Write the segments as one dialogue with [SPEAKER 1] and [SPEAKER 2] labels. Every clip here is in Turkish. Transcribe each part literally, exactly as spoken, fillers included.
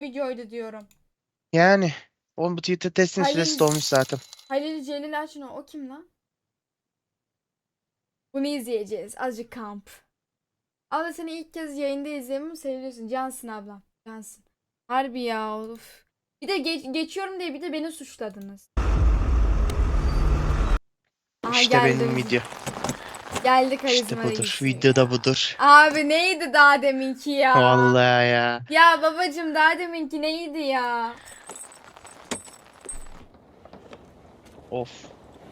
[SPEAKER 1] videoydu diyorum.
[SPEAKER 2] Yani. Oğlum bu Twitter testin
[SPEAKER 1] Halil-
[SPEAKER 2] süresi dolmuş zaten.
[SPEAKER 1] Halil Celil Açın o kim lan? Bunu izleyeceğiz. Azıcık kamp. Abla seni ilk kez yayında izleyemem seviyorsun. Cansın ablam. Cansın. Harbi ya of. Bir de geç, geçiyorum diye bir de beni suçladınız. Aha,
[SPEAKER 2] İşte
[SPEAKER 1] geldi
[SPEAKER 2] benim
[SPEAKER 1] bizim.
[SPEAKER 2] video.
[SPEAKER 1] Geldi
[SPEAKER 2] İşte
[SPEAKER 1] karizma
[SPEAKER 2] budur.
[SPEAKER 1] reis
[SPEAKER 2] Video da
[SPEAKER 1] ya.
[SPEAKER 2] budur.
[SPEAKER 1] Abi neydi daha deminki ya?
[SPEAKER 2] Vallahi ya.
[SPEAKER 1] Ya babacım daha deminki neydi ya?
[SPEAKER 2] Of.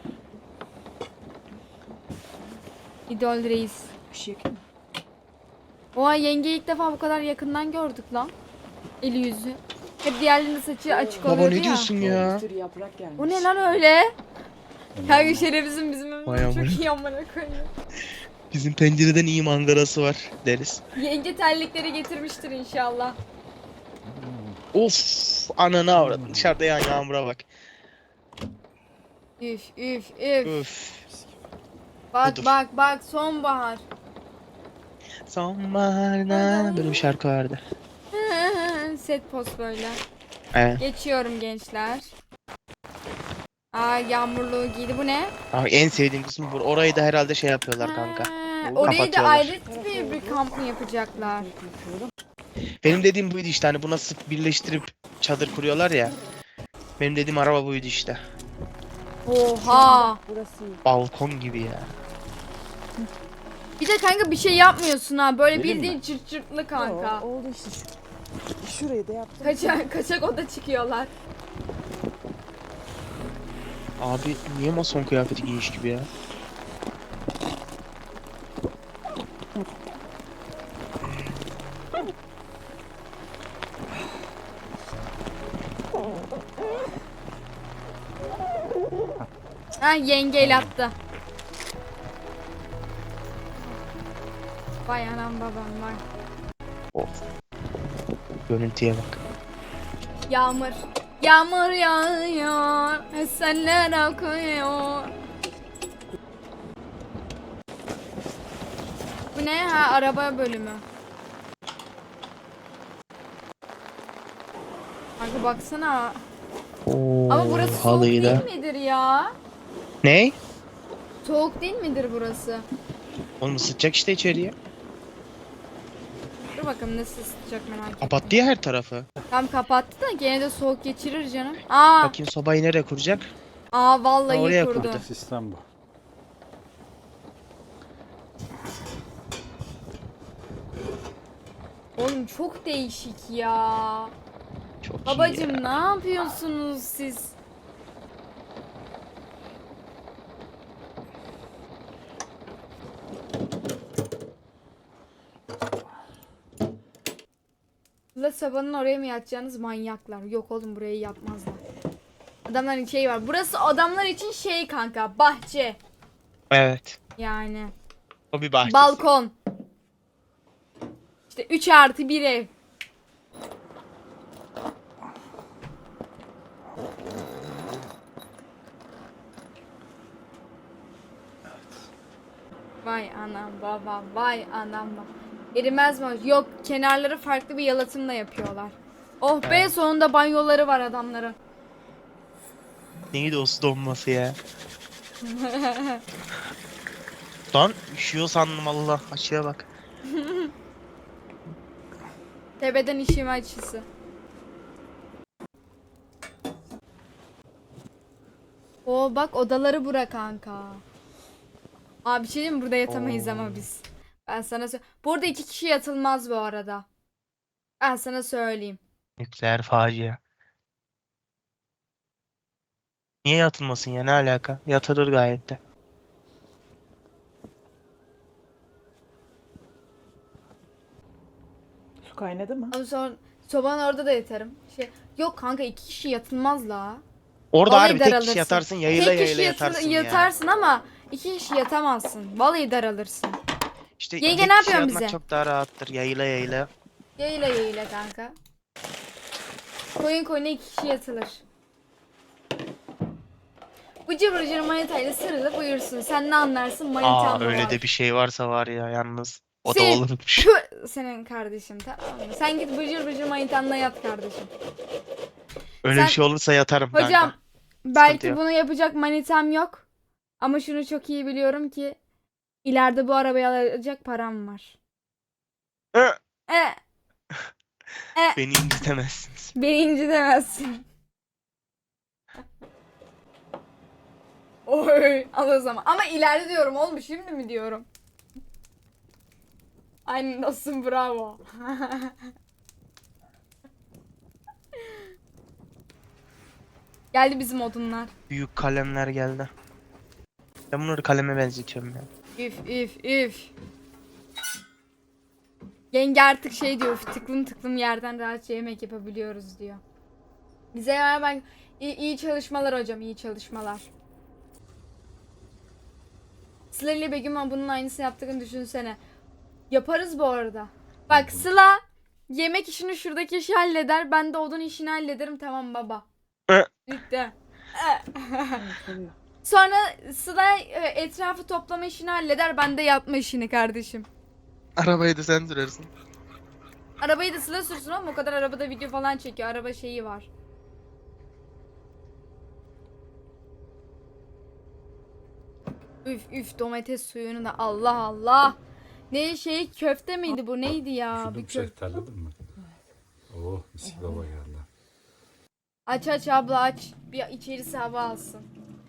[SPEAKER 1] İdol reis.
[SPEAKER 3] Bir şey
[SPEAKER 1] Oha yengeyi ilk defa bu kadar yakından gördük lan. Eli yüzü. Hep diğerlerinin saçı açık
[SPEAKER 2] Baba
[SPEAKER 1] oluyordu
[SPEAKER 2] ne
[SPEAKER 1] ya.
[SPEAKER 2] diyorsun ya?
[SPEAKER 3] Bir sürü yaprak gelmiş.
[SPEAKER 1] O ne lan öyle? Kanka şerefsizim bizim
[SPEAKER 2] Vay
[SPEAKER 1] evimiz çok
[SPEAKER 2] amına.
[SPEAKER 1] iyi amına koyayım.
[SPEAKER 2] Bizim pencereden iyi manzarası var deriz.
[SPEAKER 1] Yenge terlikleri getirmiştir inşallah.
[SPEAKER 2] Of. Ananı avradın. Dışarıda yağan yağmura bak.
[SPEAKER 1] Üf üf üf.
[SPEAKER 2] Üf.
[SPEAKER 1] Bak
[SPEAKER 2] budur.
[SPEAKER 1] bak bak sonbahar.
[SPEAKER 2] Sonbaharda böyle bir şarkı vardı.
[SPEAKER 1] Set post böyle.
[SPEAKER 2] Evet.
[SPEAKER 1] Geçiyorum gençler. Aa yağmurluğu giydi. Bu ne?
[SPEAKER 2] Abi en sevdiğim kısmı bu. Orayı da herhalde şey yapıyorlar kanka.
[SPEAKER 1] Ha, orayı da
[SPEAKER 2] Kapatıyorlar.
[SPEAKER 1] ayrı bir, bir kamp mı yapacaklar?
[SPEAKER 2] Benim dediğim buydu işte, hani bu nasıl birleştirip çadır kuruyorlar ya. Benim dediğim araba buydu işte.
[SPEAKER 1] Oha.
[SPEAKER 3] Burası iyi.
[SPEAKER 2] Balkon gibi ya.
[SPEAKER 1] Bir de kanka bir şey yapmıyorsun ha. Böyle
[SPEAKER 2] Vereyim
[SPEAKER 1] bildiğin çırt çırtlı kanka.
[SPEAKER 3] Oo, oldu işte. Şu, şurayı da yaptım.
[SPEAKER 1] Kaçak, kaçak oda çıkıyorlar.
[SPEAKER 2] Abi niye mason kıyafeti giymiş gibi ya?
[SPEAKER 1] Ha yenge el attı. Vay anam babam var.
[SPEAKER 2] Of. Görüntüye bak.
[SPEAKER 1] Yağmur. Yağmur yağıyor. Esenler akıyor. Bu ne? Ha araba bölümü. Kanka baksana.
[SPEAKER 2] Oo,
[SPEAKER 1] Ama burası soğuk
[SPEAKER 2] halıyla.
[SPEAKER 1] değil midir ya?
[SPEAKER 2] Ne?
[SPEAKER 1] Soğuk değil midir burası?
[SPEAKER 2] Oğlum ısıtacak işte içeriye.
[SPEAKER 1] Dur bakalım nasıl ısıtacak merak ettim.
[SPEAKER 2] Kapattı ya her tarafı.
[SPEAKER 1] Tam kapattı da gene de soğuk geçirir canım. Aa,
[SPEAKER 2] Bakayım sobayı nereye kuracak?
[SPEAKER 1] aa vallahi
[SPEAKER 2] Ha, oraya
[SPEAKER 1] kurdu.
[SPEAKER 2] kurdu.
[SPEAKER 4] Sistem bu.
[SPEAKER 1] Oğlum çok değişik ya.
[SPEAKER 2] Çok iyi
[SPEAKER 1] Babacım
[SPEAKER 2] ya.
[SPEAKER 1] ne yapıyorsunuz siz? La sabahın oraya mı yatacağınız manyaklar? Yok oğlum burayı yapmazlar. Adamların şeyi var. Burası adamlar için şey kanka, bahçe.
[SPEAKER 2] Evet.
[SPEAKER 1] Yani
[SPEAKER 2] O bir bahçesi.
[SPEAKER 1] balkon. İşte üç artı bir ev. Vay anam baba, vay anam baba. Erimez mi? Yok, kenarları farklı bir yalıtımla yapıyorlar. Oh be,
[SPEAKER 2] Evet.
[SPEAKER 1] sonunda banyoları var adamların.
[SPEAKER 2] Neydi o su donması ya? Lan üşüyor sandım, Allah. Açıya bak.
[SPEAKER 1] Tepeden işime açısı. Oo bak odaları bura kanka. Abi bir şey diyeyim mi? Burada yatamayız
[SPEAKER 2] Oo.
[SPEAKER 1] ama biz. Ben sana sö- Burada iki kişi yatılmaz bu arada. Ben sana söyleyeyim.
[SPEAKER 2] Nükleer facia. Niye yatılmasın ya, ne alaka? Yatılır gayet de.
[SPEAKER 3] Su kaynadı mı?
[SPEAKER 1] Ama sonra sobanın orada da yatarım. Şey, yok kanka iki kişi yatılmaz la.
[SPEAKER 2] Orada
[SPEAKER 1] Vallahi
[SPEAKER 2] harbi tek
[SPEAKER 1] daralırsın.
[SPEAKER 2] kişi yatarsın, yayıla
[SPEAKER 1] Tek
[SPEAKER 2] yayıla
[SPEAKER 1] kişi yatıl-
[SPEAKER 2] yatarsın ya.
[SPEAKER 1] yatarsın ama iki kişi yatamazsın. Vallahi daralırsın.
[SPEAKER 2] İşte
[SPEAKER 1] Yenge
[SPEAKER 2] tek
[SPEAKER 1] ne
[SPEAKER 2] kişi
[SPEAKER 1] yapıyorsun
[SPEAKER 2] yatmak
[SPEAKER 1] bize?
[SPEAKER 2] çok daha rahattır, yayıla yayıla.
[SPEAKER 1] Yayla yayla kanka. Koyun koyuna iki kişi yatılır. Bu cıvır cıvır manitayla sarılıp uyursun. Sen ne anlarsın manitan
[SPEAKER 2] Aa
[SPEAKER 1] mı
[SPEAKER 2] öyle
[SPEAKER 1] var?
[SPEAKER 2] de bir şey varsa var ya yalnız. O da
[SPEAKER 1] Sil.
[SPEAKER 2] olurmuş.
[SPEAKER 1] Pü, senin kardeşim, tamam mı? Sen git bıcır bıcır manitanla yat kardeşim.
[SPEAKER 2] Öyle
[SPEAKER 1] Sen-
[SPEAKER 2] bir şey olursa yatarım
[SPEAKER 1] Hocam
[SPEAKER 2] kanka.
[SPEAKER 1] belki
[SPEAKER 2] yok.
[SPEAKER 1] bunu yapacak manitam yok. Ama şunu çok iyi biliyorum ki ileride bu arabayı alacak param var.
[SPEAKER 2] Hı,
[SPEAKER 1] E, e,
[SPEAKER 2] Beni incitemezsiniz.
[SPEAKER 1] beni incitemezsin. Oy, al o zaman. Ama ileride diyorum oğlum, şimdi mi diyorum? Aynen dostum, bravo. Geldi bizim odunlar.
[SPEAKER 2] Büyük kalemler geldi. Ben bunları kaleme benzetiyorum ya.
[SPEAKER 1] Üf üf üf. Yenge artık şey diyor, "Üf, tıklım tıklım yerden rahatça yemek yapabiliyoruz" diyor. Bize ya ben iyi, iyi çalışmalar hocam, iyi çalışmalar. Sıla ile Begüm bunun aynısını yaptığını düşünsene. Yaparız bu arada. Bak Sıla yemek işini şuradaki işi halleder, ben de odun işini hallederim, tamam baba.
[SPEAKER 2] Hı.
[SPEAKER 1] Bitti.
[SPEAKER 3] Oluyor.
[SPEAKER 1] Sonra Sıla e, etrafı toplama işini halleder, ben de yapma işini kardeşim.
[SPEAKER 2] Arabayı da sen sürersin.
[SPEAKER 1] Arabayı da Sıla sürsün ama o kadar arabada video falan çekiyor. Araba şeyi var. Üf üf, domates suyunu da Allah Allah. Ne şey, köfte miydi bu, neydi ya?
[SPEAKER 4] Şunu
[SPEAKER 1] Bir
[SPEAKER 4] bir
[SPEAKER 1] köfte.
[SPEAKER 4] şeftaliledin mi? Oh mis gibi hava geldi.
[SPEAKER 1] Aç aç abla aç. Bir içerisi hava alsın.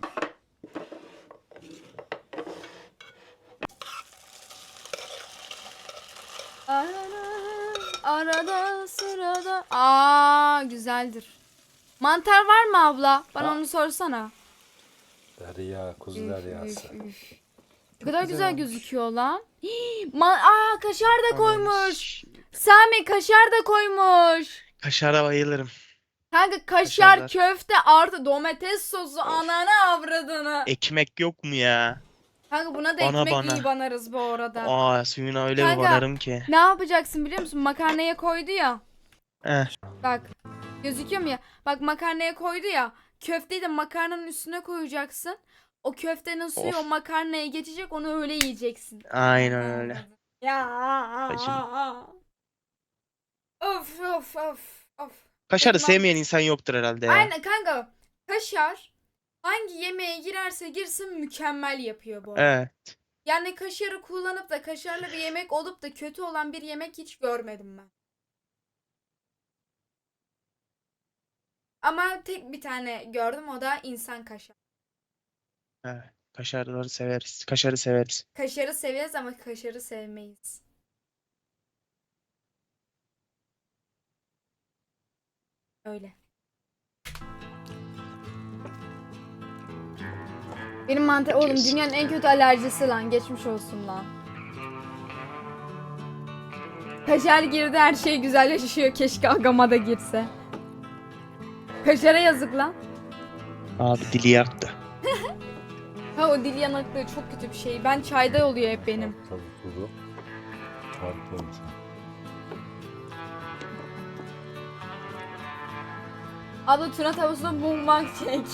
[SPEAKER 1] Arada, arada sırada. Aa, güzeldir. Mantar var mı abla? Bana
[SPEAKER 4] Ha.
[SPEAKER 1] onu sorsana.
[SPEAKER 4] Derya, kuzu
[SPEAKER 1] Üf,
[SPEAKER 4] deryası.
[SPEAKER 1] üf, üf. Ne kadar güzel,
[SPEAKER 3] güzel olmuş.
[SPEAKER 1] gözüküyor lan. Hii, Ma Aa, kaşar da koymuş. Sami kaşar da koymuş.
[SPEAKER 2] Kaşara bayılırım.
[SPEAKER 1] Kanka kaşar,
[SPEAKER 2] Kaşarlar.
[SPEAKER 1] köfte artı domates sosu, ananı avradını.
[SPEAKER 2] Ekmek yok mu ya?
[SPEAKER 1] Kanka buna da
[SPEAKER 2] Bana
[SPEAKER 1] ekmek
[SPEAKER 2] bana.
[SPEAKER 1] iyi banarız bu arada.
[SPEAKER 2] Aa, suyuna öyle
[SPEAKER 1] Kanka.
[SPEAKER 2] bir banarım ki.
[SPEAKER 1] Ne yapacaksın biliyor musun? Makarnaya koydu ya.
[SPEAKER 2] Eh,
[SPEAKER 1] Bak. Gözüküyor mu ya? Bak makarnaya koydu ya. Köfteyi de makarnanın üstüne koyacaksın. O köftenin suyu
[SPEAKER 2] Of.
[SPEAKER 1] o makarnaya geçecek, onu öyle yiyeceksin.
[SPEAKER 2] aynen öyle.
[SPEAKER 1] Ya.
[SPEAKER 2] Bacım.
[SPEAKER 1] Of of of of.
[SPEAKER 2] Kaşarı
[SPEAKER 1] Tamam.
[SPEAKER 2] sevmeyen insan yoktur herhalde ya.
[SPEAKER 1] Aynen kanka. Kaşar hangi yemeğe girerse girsin mükemmel yapıyor bu arada.
[SPEAKER 2] Evet.
[SPEAKER 1] Yani kaşarı kullanıp da kaşarlı bir yemek olup da kötü olan bir yemek hiç görmedim ben. Ama tek bir tane gördüm, o da insan kaşar.
[SPEAKER 2] Evet. Kaşarları severiz. Kaşarı severiz.
[SPEAKER 1] Kaşarı severiz ama kaşarı sevmeyiz. Öyle. Benim mantar oğlum
[SPEAKER 2] Kes.
[SPEAKER 1] dünyanın en kötü alerjisi lan, geçmiş olsun lan. Kaşar girdi, her şey güzelleşiyor, keşke agama da girse. Kaşara yazık lan.
[SPEAKER 2] Abi dili yaktı.
[SPEAKER 1] Ha, o dil yanıklığı çok kötü bir şey. Ben çayda oluyor hep benim.
[SPEAKER 4] Tavuk tuzu. Harika olmuş.
[SPEAKER 1] Abla tuna tavusuna mummak çek.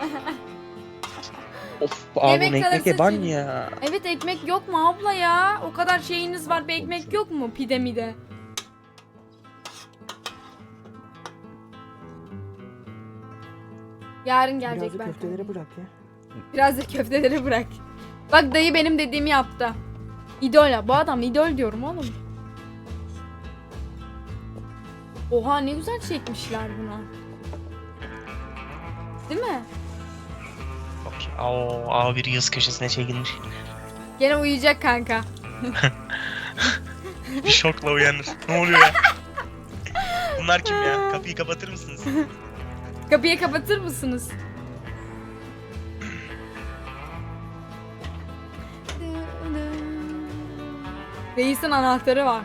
[SPEAKER 2] Of abi
[SPEAKER 1] Yemek
[SPEAKER 2] bu ekmek
[SPEAKER 1] arası
[SPEAKER 2] eban
[SPEAKER 1] için.
[SPEAKER 2] ya.
[SPEAKER 1] Evet, ekmek yok mu abla ya? O kadar şeyiniz var, bir ekmek yok mu pide mide? Yarın gelecek
[SPEAKER 3] Birazcık
[SPEAKER 1] belki.
[SPEAKER 3] köfteleri bırak ya.
[SPEAKER 1] Biraz da köfteleri bırak. Bak dayı benim dediğimi yaptı. İdol ya. Bu adam idol diyorum oğlum. Oha, ne güzel çekmişler bunu. Değil mi?
[SPEAKER 2] Bak ya, oo, abi bir yaz köşesine çekilmiş.
[SPEAKER 1] Gene uyuyacak kanka.
[SPEAKER 2] Bir şokla uyanır. Ne oluyor ya? Bunlar kim ya? Kapıyı kapatır mısınız?
[SPEAKER 1] Kapıyı kapatır mısınız? Reis'in anahtarı var.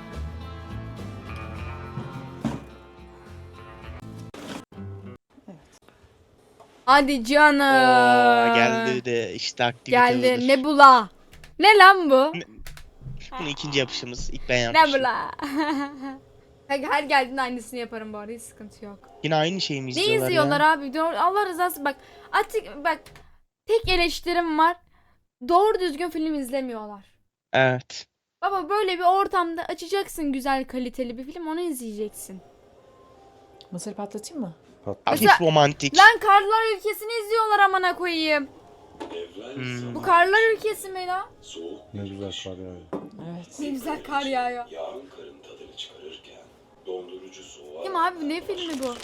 [SPEAKER 1] Hadi canım.
[SPEAKER 2] Oo, geldi de işte aktivite
[SPEAKER 1] Geldi.
[SPEAKER 2] budur.
[SPEAKER 1] Nebula. Ne lan bu?
[SPEAKER 2] Ne- Bunu ikinci yapışımız. İlk ben
[SPEAKER 1] Ne
[SPEAKER 2] yapmışım.
[SPEAKER 1] Nebula. Kanka her geldiğinde aynısını yaparım bu arada, hiç sıkıntı yok.
[SPEAKER 2] Yine aynı şeyi mi
[SPEAKER 1] Ne
[SPEAKER 2] izliyorlar
[SPEAKER 1] izliyorlar
[SPEAKER 2] ya?
[SPEAKER 1] abi? Doğru- Allah rızası bak. Artık bak, tek eleştirim var. Doğru düzgün film izlemiyorlar.
[SPEAKER 2] Evet.
[SPEAKER 1] Baba böyle bir ortamda açacaksın güzel kaliteli bir film, onu izleyeceksin.
[SPEAKER 3] Mısır patlatayım mı?
[SPEAKER 4] Patladı.
[SPEAKER 2] Hafif
[SPEAKER 1] Mesela-
[SPEAKER 2] romantik.
[SPEAKER 1] Lan Karlar Ülkesi'ni izliyorlar amına koyayım.
[SPEAKER 2] Hmm.
[SPEAKER 1] Bu Karlar Ülkesi mi lan?
[SPEAKER 4] Ne güzel kar yağıyor.
[SPEAKER 3] Evet.
[SPEAKER 1] Ne güzel kar yağıyor.
[SPEAKER 5] Yağın karın tadını çıkarırken dondurucu soğuğa
[SPEAKER 1] Kim abi, ne filmi bu?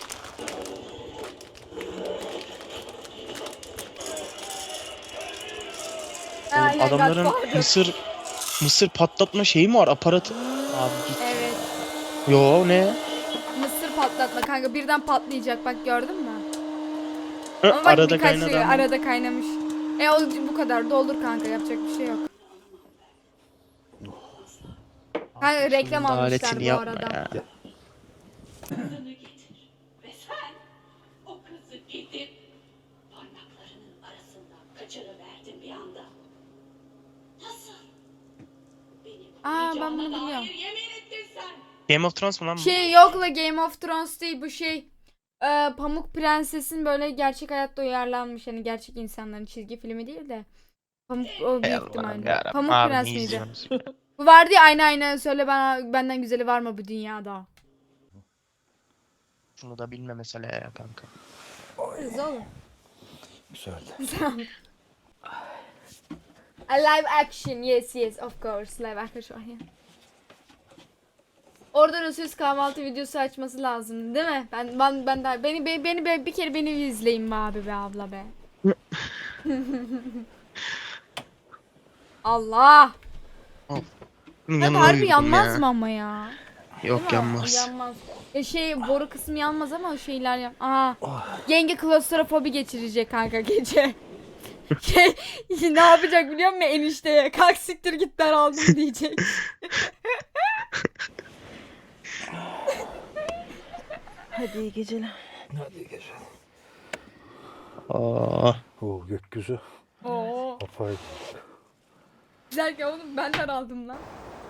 [SPEAKER 2] Oğlum,
[SPEAKER 1] Aynen,
[SPEAKER 2] adamların
[SPEAKER 1] Godfather.
[SPEAKER 2] mısır mısır patlatma şeyi mi var? Aparatı. Abi git.
[SPEAKER 1] Evet.
[SPEAKER 2] Yo ne?
[SPEAKER 1] Mısır patlatma kanka, birden patlayacak, bak gördün mü?
[SPEAKER 2] Hı,
[SPEAKER 1] Ama bak
[SPEAKER 2] arada
[SPEAKER 1] birkaç
[SPEAKER 2] kaynadı
[SPEAKER 1] şey
[SPEAKER 2] ama.
[SPEAKER 1] arada kaynamış. E o bu kadar doldur kanka, yapacak bir şey yok. Kanka reklam
[SPEAKER 2] Şunun
[SPEAKER 1] almışlar
[SPEAKER 2] aletini
[SPEAKER 1] bu
[SPEAKER 2] yapma
[SPEAKER 1] arada.
[SPEAKER 2] ya.
[SPEAKER 6] Kızını getir ve sen o kızı getir. Parmaklarının arasından kaçırıverdin bir anda. Nasıl? Benim
[SPEAKER 1] Aa, ben
[SPEAKER 6] yiyeceğime
[SPEAKER 1] bunu biliyorum.
[SPEAKER 6] dair yemin ettin sen.
[SPEAKER 2] Game of Thrones mu lan bu?
[SPEAKER 1] Şey yok la, Game of Thrones değil bu, şey. Ee, Pamuk Prenses'in böyle gerçek hayatta uyarlanmış, hani gerçek insanların çizgi filmi değil de. Pamuk o
[SPEAKER 2] Ey
[SPEAKER 1] büyük
[SPEAKER 2] Allah'ım
[SPEAKER 1] ihtimalle.
[SPEAKER 2] yarabbim,
[SPEAKER 1] Pamuk
[SPEAKER 2] abi
[SPEAKER 1] Prens
[SPEAKER 2] ne
[SPEAKER 1] miydi?
[SPEAKER 2] izliyorsunuz?
[SPEAKER 1] Bu vardı ya, aynen aynen, söyle bana, benden güzeli var mı bu dünyada?
[SPEAKER 2] Şunu da bilme mesela ya kanka.
[SPEAKER 1] Kız oğlum.
[SPEAKER 4] Güzeldi.
[SPEAKER 1] A live action, yes yes of course, live action. Yeah. Orada Rösüz kahvaltı videosu açması lazım değil mi? Ben ben ben daha beni beni, beni be- bir kere beni izleyin be abi be abla be. Allah.
[SPEAKER 2] Bunun
[SPEAKER 1] Hadi
[SPEAKER 2] yanına
[SPEAKER 1] harbi
[SPEAKER 2] uyudum
[SPEAKER 1] yanmaz
[SPEAKER 2] ya.
[SPEAKER 1] mı ama ya? Değil
[SPEAKER 2] Yok
[SPEAKER 1] mi?
[SPEAKER 2] yanmaz.
[SPEAKER 1] Yanmaz. E şey, boru kısmı yanmaz ama o şeyler yan. Aha. Yenge klostrofobi geçirecek kanka gece. Şey, ne yapacak biliyor musun enişteye? Kalk siktir git, ben aldım diyecek.
[SPEAKER 3] Hadi iyi geceler.
[SPEAKER 4] Hadi gece.
[SPEAKER 2] Aa,
[SPEAKER 4] Oo gökyüzü.
[SPEAKER 1] Oo.
[SPEAKER 4] Apayrı.
[SPEAKER 1] Güzel ki oğlum, ben de aldım lan.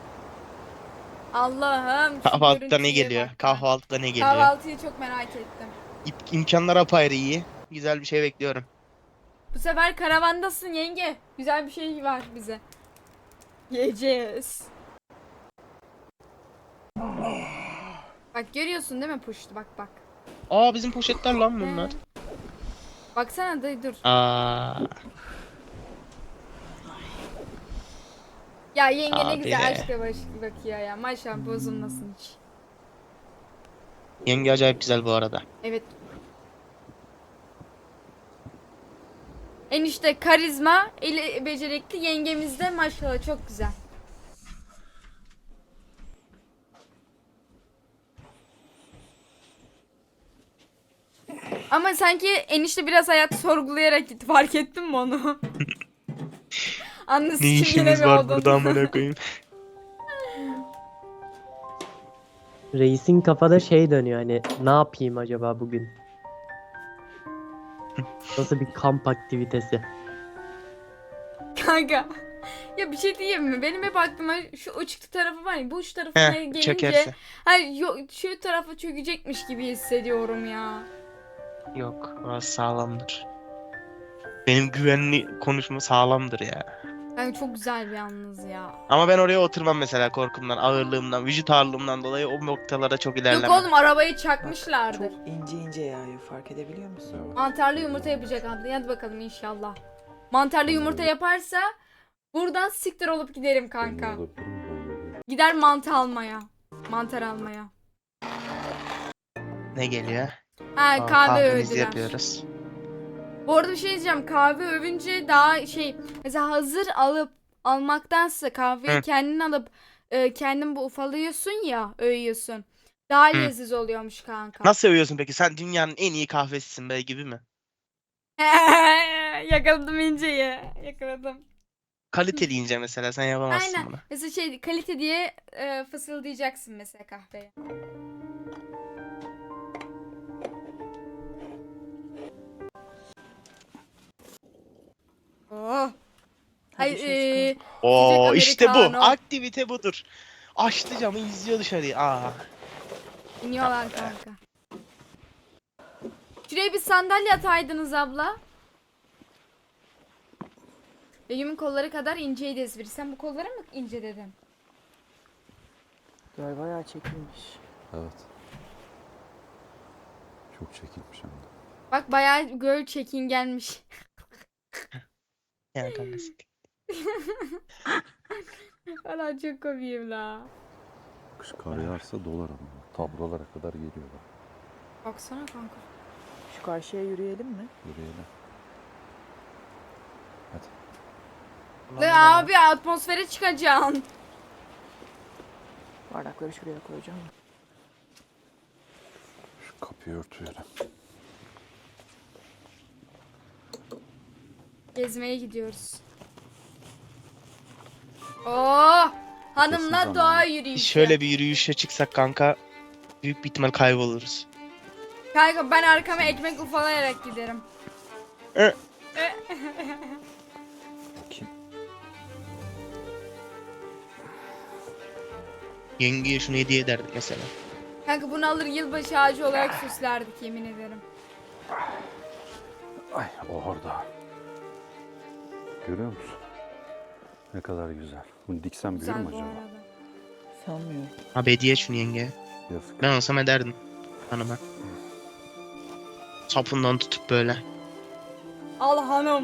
[SPEAKER 1] Allah'ım. şu
[SPEAKER 2] kahvaltıda ne
[SPEAKER 1] görüntüye
[SPEAKER 2] geliyor?
[SPEAKER 1] bak ya.
[SPEAKER 2] Kahvaltıda ne geliyor?
[SPEAKER 1] Kahvaltıyı çok merak ettim.
[SPEAKER 2] İp- imkanlar apayrı iyi. Güzel bir şey bekliyorum.
[SPEAKER 1] Bu sefer karavandasın yenge. Güzel bir şey var bize. Yiyeceğiz. Bak görüyorsun değil mi puştu, bak bak.
[SPEAKER 2] Aa bizim poşetler lan bunlar.
[SPEAKER 1] He. Baksana da dur.
[SPEAKER 2] Aa,
[SPEAKER 1] Ya yenge ne
[SPEAKER 2] Abi.
[SPEAKER 1] güzel aşkla baş bakıyor ya. Maşallah bozulmasın hiç.
[SPEAKER 2] yenge acayip güzel bu arada.
[SPEAKER 1] Evet. Enişte karizma, eli becerikli, yengemiz de maşallah çok güzel. Ama sanki enişte biraz hayatı sorgulayarak gitti, fark ettin mi onu? Anlasın
[SPEAKER 2] Ne işimiz var burada amına koyayım.
[SPEAKER 7] Reisin kafada şey dönüyor, hani ne yapayım acaba bugün? Nasıl bir kamp aktivitesi?
[SPEAKER 1] Kanka. Ya bir şey diyeyim mi? Benim hep aklıma şu uçtu tarafı var ya, bu uç tarafına
[SPEAKER 2] Heh,
[SPEAKER 1] gelince
[SPEAKER 2] çökerse.
[SPEAKER 1] hayır, yok, şu tarafa çökecekmiş gibi hissediyorum ya.
[SPEAKER 2] Yok, orası sağlamdır. Benim güvenli konuşma sağlamdır ya.
[SPEAKER 1] Yani çok güzel bir yalnız ya.
[SPEAKER 2] Ama ben oraya oturmam mesela korkumdan, ağırlığımdan, vücut ağırlığımdan dolayı o noktalara çok
[SPEAKER 1] Yok
[SPEAKER 2] ilerlemem.
[SPEAKER 1] oğlum, arabayı çakmışlardır.
[SPEAKER 3] Çok ince ince yağıyor, fark edebiliyor musun?
[SPEAKER 4] Evet.
[SPEAKER 1] Mantarlı yumurta yapacak abla. Hadi bakalım inşallah. Mantarlı yumurta yaparsa buradan siktir olup giderim kanka.
[SPEAKER 4] Böyle durum böyle.
[SPEAKER 1] Gider mantı almaya. Mantar almaya.
[SPEAKER 2] Ne geliyor?
[SPEAKER 1] Ha,
[SPEAKER 2] Aa,
[SPEAKER 1] kahve
[SPEAKER 2] kahvemizi
[SPEAKER 1] övdüler.
[SPEAKER 2] yapıyoruz.
[SPEAKER 1] Bu arada bir şey diyeceğim. Kahve övünce daha şey, mesela hazır alıp almaktansa kahveyi
[SPEAKER 2] Hı.
[SPEAKER 1] kendin alıp e, kendin bu ufalıyorsun ya, öğüyorsun. Daha
[SPEAKER 2] Hı.
[SPEAKER 1] leziz oluyormuş kanka.
[SPEAKER 2] Nasıl övüyorsun peki? Sen dünyanın en iyi kahvesisin be gibi mi?
[SPEAKER 1] Yakaladım inceyi. Yakaladım.
[SPEAKER 2] Kaliteli ince mesela sen yapamazsın
[SPEAKER 1] Aynen.
[SPEAKER 2] bunu.
[SPEAKER 1] Mesela şey, kalite diye e, fısıldayacaksın mesela kahveye. Oh. Hayır,
[SPEAKER 3] Hadi dışarı
[SPEAKER 1] e,
[SPEAKER 3] çıkalım.
[SPEAKER 2] Oo
[SPEAKER 1] sıcak
[SPEAKER 2] işte bu.
[SPEAKER 1] americano.
[SPEAKER 2] Aktivite budur. Açtı camı izliyor dışarıyı. Aa.
[SPEAKER 1] iniyorlar kanka. Şuraya bir sandalye ataydınız abla. Begüm'ün kolları kadar inceydi espri. Sen bu kollara mı ince dedin?
[SPEAKER 3] Göl bayağı çekilmiş.
[SPEAKER 4] Evet. Çok çekilmiş hem de.
[SPEAKER 1] Bak bayağı göl çekingenmiş.
[SPEAKER 2] Yani kanka.
[SPEAKER 1] Valla çok komiyim la.
[SPEAKER 4] Kış kar yağarsa dolar ama. Tablolara kadar geliyorlar.
[SPEAKER 1] Baksana kanka.
[SPEAKER 3] Şu karşıya yürüyelim mi?
[SPEAKER 4] Yürüyelim. Hadi.
[SPEAKER 1] Le abi atmosfere çıkacaksın.
[SPEAKER 3] Bardakları şuraya koyacağım.
[SPEAKER 4] Şu kapıyı örtüyelim.
[SPEAKER 1] Gezmeye gidiyoruz. Oo! Hanımla
[SPEAKER 4] Kesin
[SPEAKER 1] doğa
[SPEAKER 4] zamanı.
[SPEAKER 1] yürüyüşü.
[SPEAKER 2] Şöyle bir yürüyüşe çıksak kanka büyük bir ihtimal kayboluruz.
[SPEAKER 1] Kanka ben arkama ekmek ufalayarak giderim.
[SPEAKER 2] E.
[SPEAKER 4] Bakayım.
[SPEAKER 2] Yengeye şunu hediye ederdik mesela.
[SPEAKER 1] Kanka bunu alır yılbaşı ağacı olarak süslerdik yemin ederim.
[SPEAKER 4] Ay o orada. Görüyor musun? Ne kadar güzel. Bunu diksem büyür
[SPEAKER 1] Güzel
[SPEAKER 4] mü
[SPEAKER 1] bu
[SPEAKER 4] acaba?
[SPEAKER 1] arada.
[SPEAKER 3] Sanmıyorum.
[SPEAKER 2] Abi hediye şunu yengeye.
[SPEAKER 4] Yazık.
[SPEAKER 2] Ben olsam ederdim hanıma. Sapından tutup böyle.
[SPEAKER 1] Al hanım.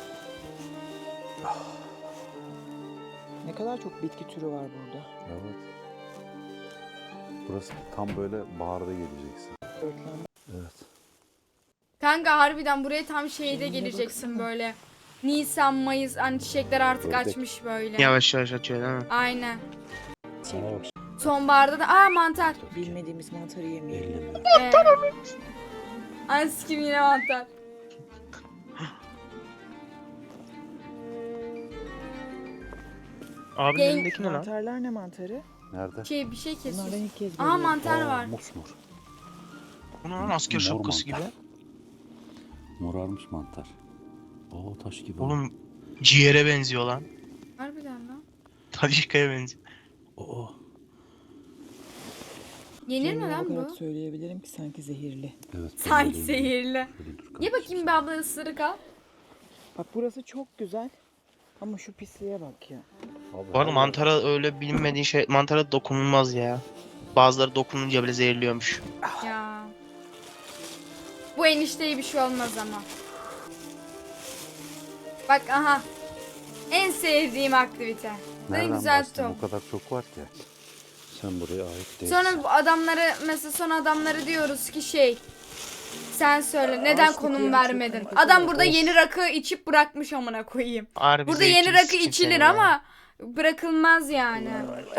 [SPEAKER 3] Ne kadar çok bitki türü var burada.
[SPEAKER 4] Evet. Burası tam böyle baharda geleceksin.
[SPEAKER 3] Örtlen.
[SPEAKER 4] Evet.
[SPEAKER 1] Kanka harbiden buraya tam şeyde
[SPEAKER 3] Rengine
[SPEAKER 1] geleceksin
[SPEAKER 3] baksana.
[SPEAKER 1] böyle. Nisan, Mayıs hani çiçekler artık
[SPEAKER 4] Ördek.
[SPEAKER 1] açmış böyle.
[SPEAKER 2] Yavaş yavaş açıyor değil mi?
[SPEAKER 1] Aynen.
[SPEAKER 3] Çekmiş.
[SPEAKER 1] Sonbaharda da aa mantar.
[SPEAKER 3] Bilmediğimiz mantarı yemeyelim.
[SPEAKER 4] Elli mi?
[SPEAKER 1] Ee, Ay sikim yine mantar.
[SPEAKER 2] Abinin
[SPEAKER 1] Yeng-
[SPEAKER 2] elindeki ne lan?
[SPEAKER 3] Mantarlar ne mantarı?
[SPEAKER 4] Nerede?
[SPEAKER 1] Şey bir şey
[SPEAKER 3] Bunlardan
[SPEAKER 1] kesiyor.
[SPEAKER 3] ilk kez
[SPEAKER 1] Aa
[SPEAKER 3] görüyorum.
[SPEAKER 1] mantar
[SPEAKER 4] Aa,
[SPEAKER 1] var.
[SPEAKER 4] Mosmor.
[SPEAKER 2] Bu ne lan asker
[SPEAKER 4] Mor
[SPEAKER 2] şapkası gibi.
[SPEAKER 4] mantar. Morarmış mantar. Oo taş gibi.
[SPEAKER 2] Oğlum ciğere benziyor lan.
[SPEAKER 1] Harbiden lan.
[SPEAKER 2] Tadişka'ya benziyor.
[SPEAKER 4] Oo.
[SPEAKER 1] Yenir mi
[SPEAKER 3] Kendime
[SPEAKER 1] lan
[SPEAKER 3] bakarak
[SPEAKER 1] bu?
[SPEAKER 3] söyleyebilirim ki sanki zehirli.
[SPEAKER 4] Evet.
[SPEAKER 1] Sanki
[SPEAKER 4] böyle
[SPEAKER 1] zehirli.
[SPEAKER 4] Şöyle dur
[SPEAKER 1] Ye
[SPEAKER 4] kardeşim.
[SPEAKER 1] bakayım bir abla ısırık al.
[SPEAKER 3] Bak burası çok güzel. Ama şu pisliğe bak ya.
[SPEAKER 4] Abi,
[SPEAKER 2] Bu arada
[SPEAKER 4] her
[SPEAKER 2] mantara öyle bilinmediğin şey, mantara dokunulmaz ya. Bazıları dokununca bile zehirliyormuş.
[SPEAKER 1] Ya. Bu enişteye bir şey olmaz ama. Bak aha. En sevdiğim aktivite. Ne
[SPEAKER 4] Nereden
[SPEAKER 1] güzel
[SPEAKER 4] başlayayım?
[SPEAKER 1] top.
[SPEAKER 4] O kadar çok var ki. Sen buraya ait değilsin.
[SPEAKER 1] Sonra bu adamları mesela son adamları diyoruz ki şey. Sen söyle neden
[SPEAKER 3] Ağaçlık
[SPEAKER 1] konum
[SPEAKER 3] yeri çok
[SPEAKER 1] vermedin?
[SPEAKER 3] hareketli
[SPEAKER 1] Adam
[SPEAKER 3] var.
[SPEAKER 1] burada
[SPEAKER 3] Of.
[SPEAKER 1] yeni rakı içip bırakmış amına koyayım.
[SPEAKER 2] Harbi
[SPEAKER 1] Burada
[SPEAKER 2] zevkini
[SPEAKER 1] yeni rakı
[SPEAKER 2] sikeyim
[SPEAKER 1] içilir
[SPEAKER 2] seni ya.
[SPEAKER 1] ama bırakılmaz yani.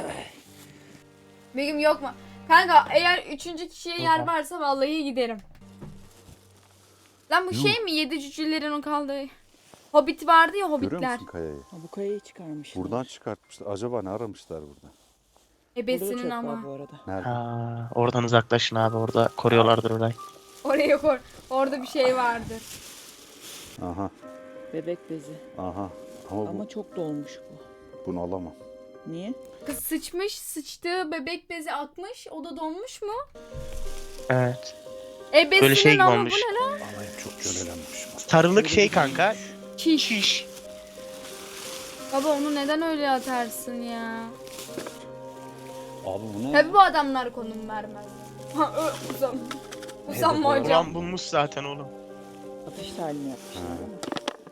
[SPEAKER 1] Begüm yok mu? Kanka eğer üçüncü kişiye yer
[SPEAKER 2] Oha.
[SPEAKER 1] varsa vallahi giderim. Lan bu
[SPEAKER 4] Yuh.
[SPEAKER 1] şey mi? Yedi cücelerin o kaldığı. Hobbit vardı ya
[SPEAKER 4] Görüyor
[SPEAKER 1] hobbitler.
[SPEAKER 4] musun kayayı?
[SPEAKER 3] Ha, bu kayayı çıkarmışlar.
[SPEAKER 4] Buradan çıkartmışlar. Acaba ne aramışlar burada?
[SPEAKER 3] Burada da
[SPEAKER 1] Ebesinin
[SPEAKER 3] çok
[SPEAKER 1] ama.
[SPEAKER 3] var bu arada.
[SPEAKER 4] Nerede?
[SPEAKER 2] Ha, oradan uzaklaşın abi, orada koruyorlardır orayı.
[SPEAKER 1] Oraya koy. Orada bir şey vardır.
[SPEAKER 4] Aha.
[SPEAKER 3] Bebek bezi.
[SPEAKER 4] Aha. Ama, bu,
[SPEAKER 3] Ama çok dolmuş bu.
[SPEAKER 4] bunu alamam.
[SPEAKER 3] Niye?
[SPEAKER 1] Kız sıçmış, sıçtığı bebek bezi akmış. O da donmuş mu?
[SPEAKER 2] Evet.
[SPEAKER 1] Ebesinin
[SPEAKER 2] Böyle şey gibi
[SPEAKER 1] ama
[SPEAKER 2] olmuş.
[SPEAKER 1] bu ne lan?
[SPEAKER 4] Alayım çok kölelenmiş.
[SPEAKER 2] Sarılık şey kanka.
[SPEAKER 1] Çiş.
[SPEAKER 2] Şiş.
[SPEAKER 1] Baba onu neden öyle atarsın ya?
[SPEAKER 4] Abi bu ne?
[SPEAKER 1] Tabii bu adamlar konum vermez. Ha, ö, uzam. Usanma hocam.
[SPEAKER 2] Ulan bulmuş zaten oğlum.
[SPEAKER 3] Atış talimi yapmışlar
[SPEAKER 4] Ha.
[SPEAKER 3] değil mi?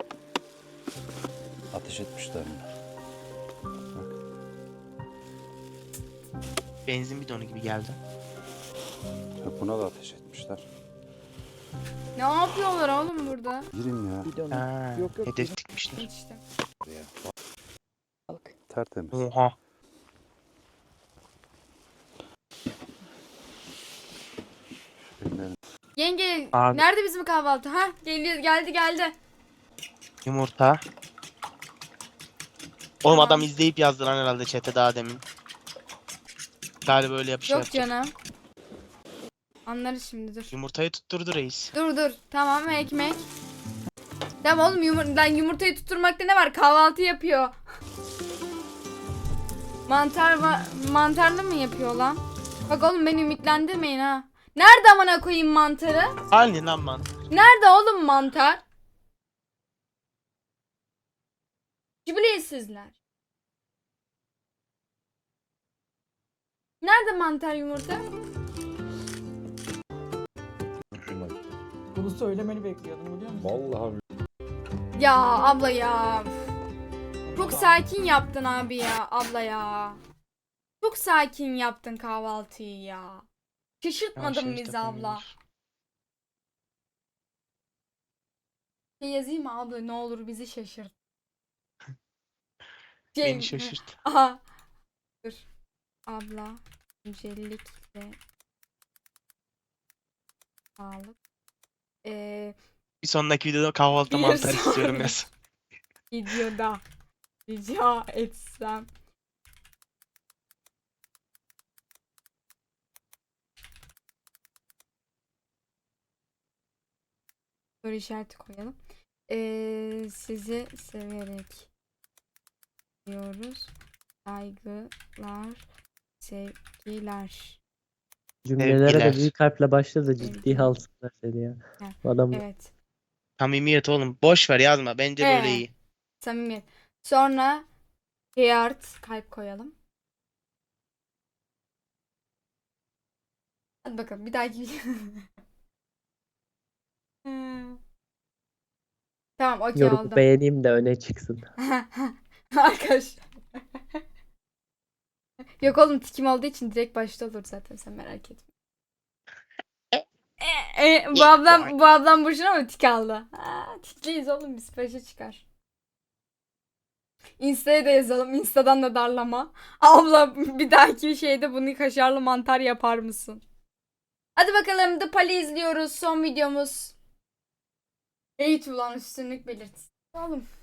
[SPEAKER 4] Ateş etmişler mi?
[SPEAKER 2] Benzin bidonu gibi geldi.
[SPEAKER 4] Ha, buna da ateş etmişler.
[SPEAKER 1] Ne yapıyorlar oğlum burada?
[SPEAKER 4] Girin ya.
[SPEAKER 3] Bidonu.
[SPEAKER 2] Ha,
[SPEAKER 3] Yok, yok,
[SPEAKER 2] hedef dikmişler.
[SPEAKER 1] İşte.
[SPEAKER 4] ya.
[SPEAKER 3] Balık.
[SPEAKER 4] Tertemiz.
[SPEAKER 2] Oha.
[SPEAKER 4] Ellerini-
[SPEAKER 1] Yenge
[SPEAKER 2] Abi.
[SPEAKER 1] nerede bizim kahvaltı? Ha geliyor geldi geldi.
[SPEAKER 2] Yumurta. Oğlum
[SPEAKER 1] Tamam.
[SPEAKER 2] adam izleyip yazdı lan herhalde chat'e daha demin. Galiba öyle yapışıyor.
[SPEAKER 1] Yok canım. Anlarız şimdi dur.
[SPEAKER 2] Yumurtayı tutturdu reis.
[SPEAKER 1] Dur dur. Tamam ekmek. Tamam oğlum yumur lan yumurtayı tutturmakta ne var? Kahvaltı yapıyor. Mantar va- mantarlı mı yapıyor lan? Bak oğlum beni ümitlendirmeyin ha. Nerede amına koyayım mantarı?
[SPEAKER 2] Halini lan man.
[SPEAKER 1] Nerede oğlum mantar? Cibiliyetsizler. Nerede mantar yumurta?
[SPEAKER 4] Şunlar.
[SPEAKER 3] Bunu söylemeni bekliyordum biliyor musun?
[SPEAKER 4] Vallahi
[SPEAKER 1] Ya abla ya. Çok sakin yaptın abi ya abla ya. Çok sakin yaptın kahvaltıyı ya. Şaşırtmadın
[SPEAKER 2] Yavaş yavaş
[SPEAKER 1] bizi abla.
[SPEAKER 2] yapamıyoruz.
[SPEAKER 1] Şey yazayım mı abla ne olur bizi şaşırt. Şey,
[SPEAKER 2] Beni şaşırt.
[SPEAKER 1] Aha. Dur. Abla öncelikle sağlık. Ee,
[SPEAKER 2] Bir sonraki videoda kahvaltı
[SPEAKER 1] Bir
[SPEAKER 2] mantar istiyorum
[SPEAKER 1] sonraki-
[SPEAKER 2] yaz.
[SPEAKER 1] videoda rica etsem. Soru işareti koyalım. Ee, sizi severek diyoruz. Saygılar, sevgiler.
[SPEAKER 7] Cümlelere de
[SPEAKER 2] Sevgiler.
[SPEAKER 7] büyük harfle başla da ciddi
[SPEAKER 1] Sevgiler.
[SPEAKER 7] alsınlar seni ya.
[SPEAKER 1] Ha,
[SPEAKER 7] Bu adam
[SPEAKER 1] Evet.
[SPEAKER 2] Samimiyet oğlum. Boş ver yazma. Bence böyle
[SPEAKER 1] Ee.
[SPEAKER 2] iyi.
[SPEAKER 1] Samimiyet. Sonra heart kalp koyalım. Hadi bakalım bir dahaki video. Hmm. Tamam okey
[SPEAKER 7] yorumu
[SPEAKER 1] oldu.
[SPEAKER 7] beğeneyim de öne çıksın.
[SPEAKER 1] Arkadaş. Yok oğlum tikim olduğu için direkt başta olur zaten sen merak etme. E, e, bu ablam bu ablam boşuna mı tik aldı? Ha, tikliyiz oğlum biz başa çıkar. Insta'ya da yazalım. Insta'dan da darlama. Abla bir dahaki şeyde bunu kaşarlı mantar yapar mısın? Hadi bakalım The Pali izliyoruz. Son videomuz. Eğit ulan üstünlük belirtisi. Oğlum.